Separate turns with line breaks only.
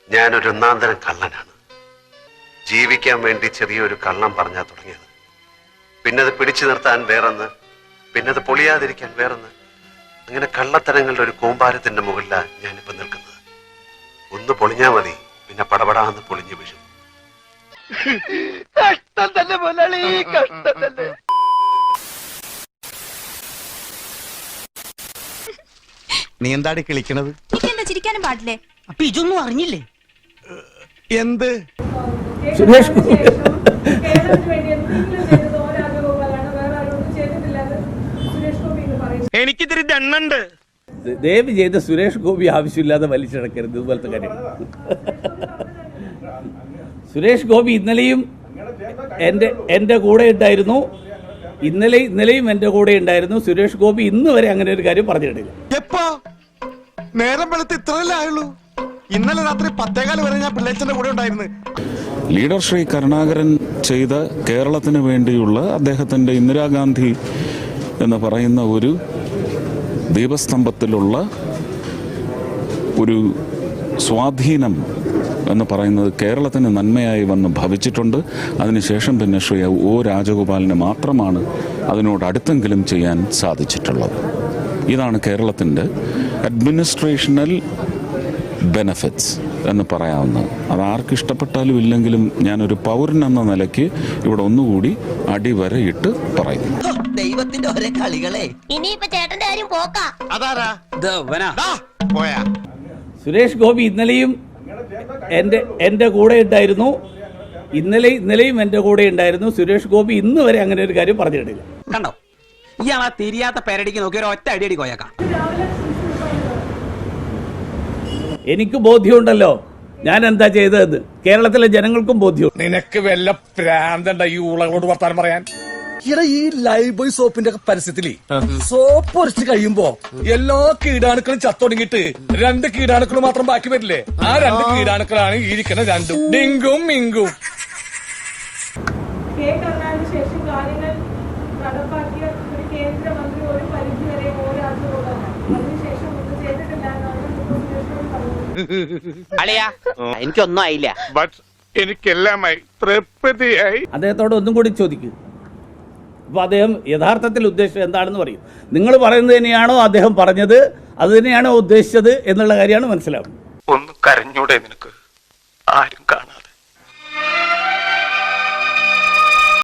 ഞാനൊരു ഒന്നാന്തരം കള്ളനാണ്. ജീവിക്കാൻ വേണ്ടി ചെറിയൊരു കള്ളം പറഞ്ഞാ തുടങ്ങിയത്. പിന്നെ അത് പിടിച്ചു നിർത്താൻ വേറൊന്ന്, പിന്നെ അത് പൊളിയാതിരിക്കാൻ വേറൊന്ന്. അങ്ങനെ കള്ളത്തരങ്ങളുടെ ഒരു കൂമ്പാരത്തിന്റെ മുകളിലാണ് ഞാനിപ്പോ നിൽക്കുന്നത്. ഒന്ന് പൊളിഞ്ഞാ മതി, പിന്നെ പടപടാന്ന് പൊളിഞ്ഞു വീഴും.
കഷ്ടം തന്നെ മുതലാളി, കഷ്ടം തന്നെ.
നീ എന്താടി കിളിക്കണത്?
എനിക്കെന്താ ചിരിക്കാനും പാടില്ലേ?
അപ്പൊ ഇതൊന്നും അറിഞ്ഞില്ലേ?
എന്ത്?
സുരേഷ്
എനിക്കിതിരി ദണ്ണുണ്ട്.
ദയവ് ചെയ്ത് സുരേഷ് ഗോപി ആവശ്യമില്ലാതെ വലിച്ചിടക്കരുത് ഇതുപോലത്തെ കാര്യം. സുരേഷ് ഗോപി ഇന്നലെയും എൻ്റെ കൂടെ ഉണ്ടായിരുന്നു. ഇന്നലെയും എൻ്റെ കൂടെ ഉണ്ടായിരുന്നു. സുരേഷ് ഗോപി ഇന്ന് വരെ അങ്ങനെ ഒരു കാര്യം പറഞ്ഞിട്ടില്ല.
എപ്പോ? നേരം വെളുത്ത് ഇത്രയല്ലേ ആയുള്ളൂ? ഇന്നലെ രാത്രി 10:15 വരെ ഞാൻ പിള്ളേച്ചന്റെ കൂടെ ഉണ്ടായിരുന്നു.
ലീഡർ ശ്രീ കരുണാകരൻ ചെയ്ത കേരളത്തിന് വേണ്ടിയുള്ള അദ്ദേഹത്തിൻ്റെ ഇന്ദിരാഗാന്ധി എന്ന് പറയുന്ന ഒരു ദീപസ്തംഭത്തിലുള്ള ഒരു സ്വാധീനം എന്ന് പറയുന്നത് കേരളത്തിന് നന്മയായി വന്ന് ഭവിച്ചിട്ടുണ്ട്. അതിനുശേഷം പിന്നെ ശ്രീ ഒ രാജഗോപാലിന് മാത്രമാണ് അതിനോട് അടുത്തെങ്കിലും ചെയ്യാൻ സാധിച്ചിട്ടുള്ളത്. ഇതാണ് കേരളത്തിൻ്റെ അഡ്മിനിസ്ട്രേഷണൽ ബെനഫിറ്റ്സ് എന്ന് പറയാവുന്നത്. അത് ആർക്ക് ഇഷ്ടപ്പെട്ടാലും ഇല്ലെങ്കിലും ഞാനൊരു പൗരൻ എന്ന നിലയ്ക്ക് ഇവിടെ ഒന്നുകൂടി അടിവരയിട്ട് പറയുന്നു.
ദൈവത്തിന്റെ ഒരേ കളികളെ.
ഇനിയിപ്പോ ചേട്ടന്റെ കാര്യം പോക്കാ.
അതാരാ? പോയാ?
സുരേഷ് ഗോപി ഇന്നലെയും എൻ്റെ കൂടെ ഉണ്ടായിരുന്നു. ഇന്നലെയും എൻ്റെ കൂടെ ഉണ്ടായിരുന്നു. സുരേഷ് ഗോപി ഇന്ന് വരെ അങ്ങനെ ഒരു കാര്യം പറഞ്ഞിട്ടില്ല.
കണ്ടോ, ഇയാളാ തിരിയാത്ത പേരടിക്ക് നോക്കി ഒരു ഒറ്റ അടിയടി കോയക്കാം.
എനിക്ക് ബോധ്യമുണ്ടല്ലോ ഞാൻ എന്താ ചെയ്തതെന്ന്. കേരളത്തിലെ ജനങ്ങൾക്കും ബോധ്യം.
നിനക്ക് വല്ല പ്രാന്തണ്ട ഈ ഊളകളോട് വർത്താനം പറയാൻ?
ഇവിടെ ഈ ലൈഫ് ബോയ് സോപ്പിന്റെ ഒക്കെ പരസ്യത്തില് സോപ്പ് ഒരച്ച് കഴിയുമ്പോ എല്ലാ കീടാണുക്കളും ചത്തൊടുങ്ങിട്ട് 2 കീടാണുക്കൾ മാത്രം ബാക്കി വരില്ലേ? ആ 2 കീടാണുക്കളാണ് ഈ ഇരിക്കുന്ന രണ്ടും, ഡിങ്കും മിങ്കും.
ശേഷം കാര്യങ്ങൾ നടപ്പാക്കിയ ഒരു കേന്ദ്രമന്ത്രി ഒരു പരിധി വരെ ഓരാളുകളാണ്. അതിനുശേഷം ഒന്നും ചെയ്തിട്ടില്ല എന്നാണ്
അളിയാ, എനിക്കൊന്നും ആയില്ല.
എനിക്കെല്ലാമായി തൃപ്തിയായി.
അദ്ദേഹത്തോട് ഒന്നും കൂടി ചോദിക്കും. അപ്പൊ അദ്ദേഹം യഥാർത്ഥത്തിൽ ഉദ്ദേശിച്ചത് എന്താണെന്ന് പറയും. നിങ്ങൾ പറയുന്നത് തന്നെയാണോ അദ്ദേഹം പറഞ്ഞത്, അത് തന്നെയാണോ ഉദ്ദേശിച്ചത് എന്നുള്ള കാര്യമാണ് മനസ്സിലാവുന്നത്.
ഒന്ന് കരഞ്ഞൂടെ നിനക്ക്? ആരും കാണാൻ